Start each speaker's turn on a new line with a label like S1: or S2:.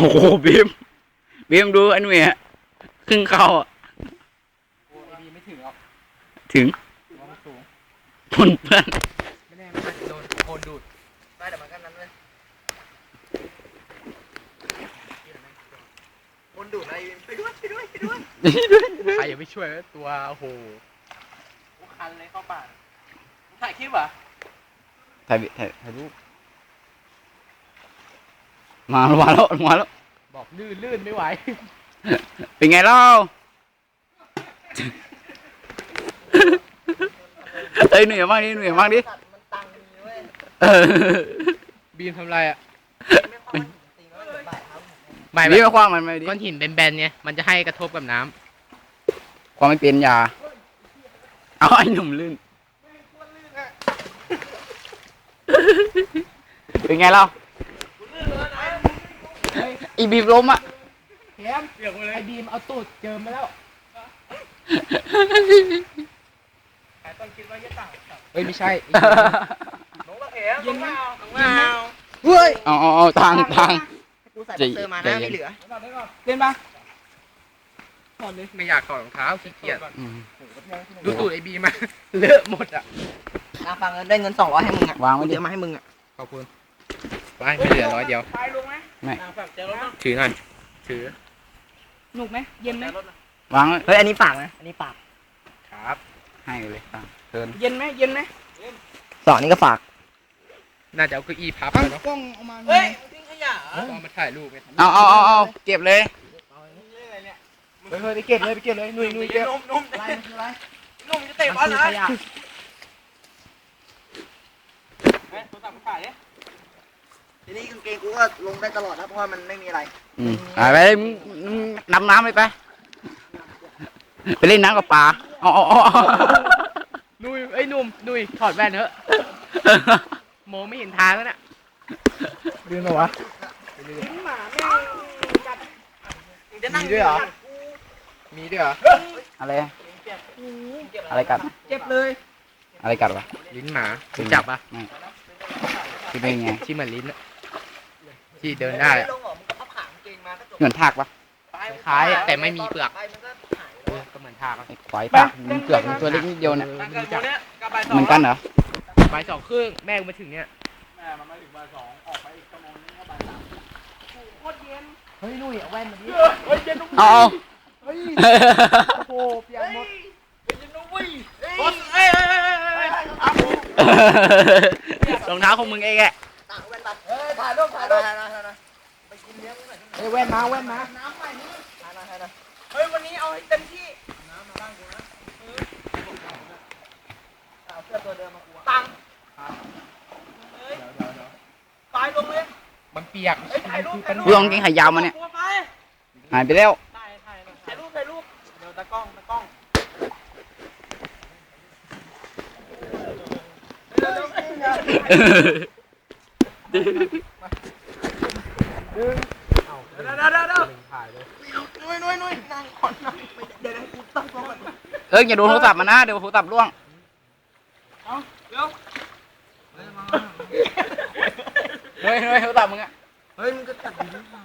S1: โหบีมดูอันนี้ฮะครึ่งเข้าอ่ะ
S2: โอ้ไอบีไม่ถึงหรอก
S1: ถึง
S2: เพราะมันสูง
S1: ปนเปื้อน
S2: ไม่แน่ไม่โดนโคนดูดได้แต่มันก็นั้นเลยโคนดูดอะไรไปด้วยใครอย่าไปช่วยตัวโอ้โหคันเลยเข้าป่าถ่ายคลิปเหรอ
S1: ถ่ายรูปมาแล้ว
S2: บอกลื่นไม่ไหว
S1: เป็นไงเล่าเอ้ยเหนื่อยมากดิ
S2: บีมทำไรอ่ะ
S1: บีมมาคว้างมันไม่ดิ
S2: ก้อนหินแบนๆเนี่ยมันจะให้กระทบกับน้ำ
S1: ความไม่เป็นยาเอาไอ้หนุ่มลื่นเป็นไงเล่าอีบีมล้มอ่ะ
S2: แถมไอบีมเอาตูดเจิมมาแล้วต้องคิดว่าจะต่างเฮ้ยไม่ใช่น้องตะเข็มน้องเงาเฮ้ย
S1: เอาทาง
S3: กูใส่บ็อกเซอร์มาหน้าไม่เหลือ
S2: เล่นปะถอดเลยไม่อยากถอดรองเท้าขี้เกียจดูตูดไอบีมาเลอะหมดอ่ะ
S3: ฟังได้เงิน200ให้มึงอ่ะ
S1: วางไว้ดิ
S3: เดี๋ยวมาให้มึงอ่ะ
S2: ขอบคุณไม่เหลือ100เดียว
S1: ไม่
S2: ถือหน่อยถือ
S4: หนุกไหมเย็นไหม
S1: วางไว้
S3: เฮ้ยอันนี้ฝากนะอันนี้ฝาก
S2: ครับ
S1: ให้เลยเชิญ
S4: เย็นไหม
S3: สองนี้ก็ฝาก
S2: น่าจะเอาเก้าอี้พับไปเนาะ
S4: กล้องเอามา
S3: เฮ้ยทิ้งขยะ
S2: เอามาถ่ายรูปไง
S1: เอาเก็บเลย
S2: เฮ้ยไปเก็บเลยนุ่ยเก็บ
S3: นุ่มอะไรอะไรนุ่มจะเตะบอลนะขยะทีนี้กางเกงกูก็ลงได้ตลอดนะเพราะว่ามันไม่มีอะไร
S1: ไปน้ำไปเล่นน้ำกับปลา
S2: นุ่ยไอ้นุ่มนุ่ยถอดแว่นเถอะโมไม่เห็นทางแล้วน่ะเดินมาวะมีด้วยเหรอ
S1: อะไรกัด
S4: เจ็บเลย
S1: อะไรกัดวะ
S2: ลิ้นหมารู้จับปะ
S1: ที่เป็นไง
S2: ที่เหมือนลิ้นอะที่เดินได้อะ
S1: เหมือนทากปะ
S2: คล้ายๆแต่ไม่มีเปลือกก็เหมือนทากอะ
S1: ไอ้ควายทากมันเกือบมันตัวเล็กนิดเดียวเนี่ย
S2: ไม่รู้จัก
S1: เหมือนกันเหรอ
S2: บ่ายสองครึ่งแม่กูมาถึงเนี่ยเฮ้ยนุ่ยเอาแว่นมาดิ
S1: เอา
S2: โอ้โหเปียกหมด
S1: รองเท้าของมึงเองแหละ
S3: ถ่ายรูปไปกินเลี้ยงหน่อย
S2: เฮ้ยแว่นมา
S3: น้ำใหม่นี่เฮ้ยวันนี้เอาให้เต็มที่น้ำมาบ้างกูนะเอาเสื้อตัวเดิมมากูตังเฮ้ยตายลงเลย
S2: มันเปียก
S3: ถ่ายรูป
S1: กูลองกินไข่ยาวมาเนี่ยหายไปแล้ว
S3: ถ่ายรูปเดี๋ยวตะกล้อง
S2: ถ่ายเลย
S3: นุ่ยนั่งก่อนนะเดี๋ยวกูตั้งกล้องก่อน
S1: อย่าโดนโทรศัพท์มานะเดี๋ยวโทรศัพท์ร่วง
S3: เร็ว
S1: เฮ้ยโทรศัพท์มึงอะ
S3: เฮ้ยมึงก็ตัดดีๆ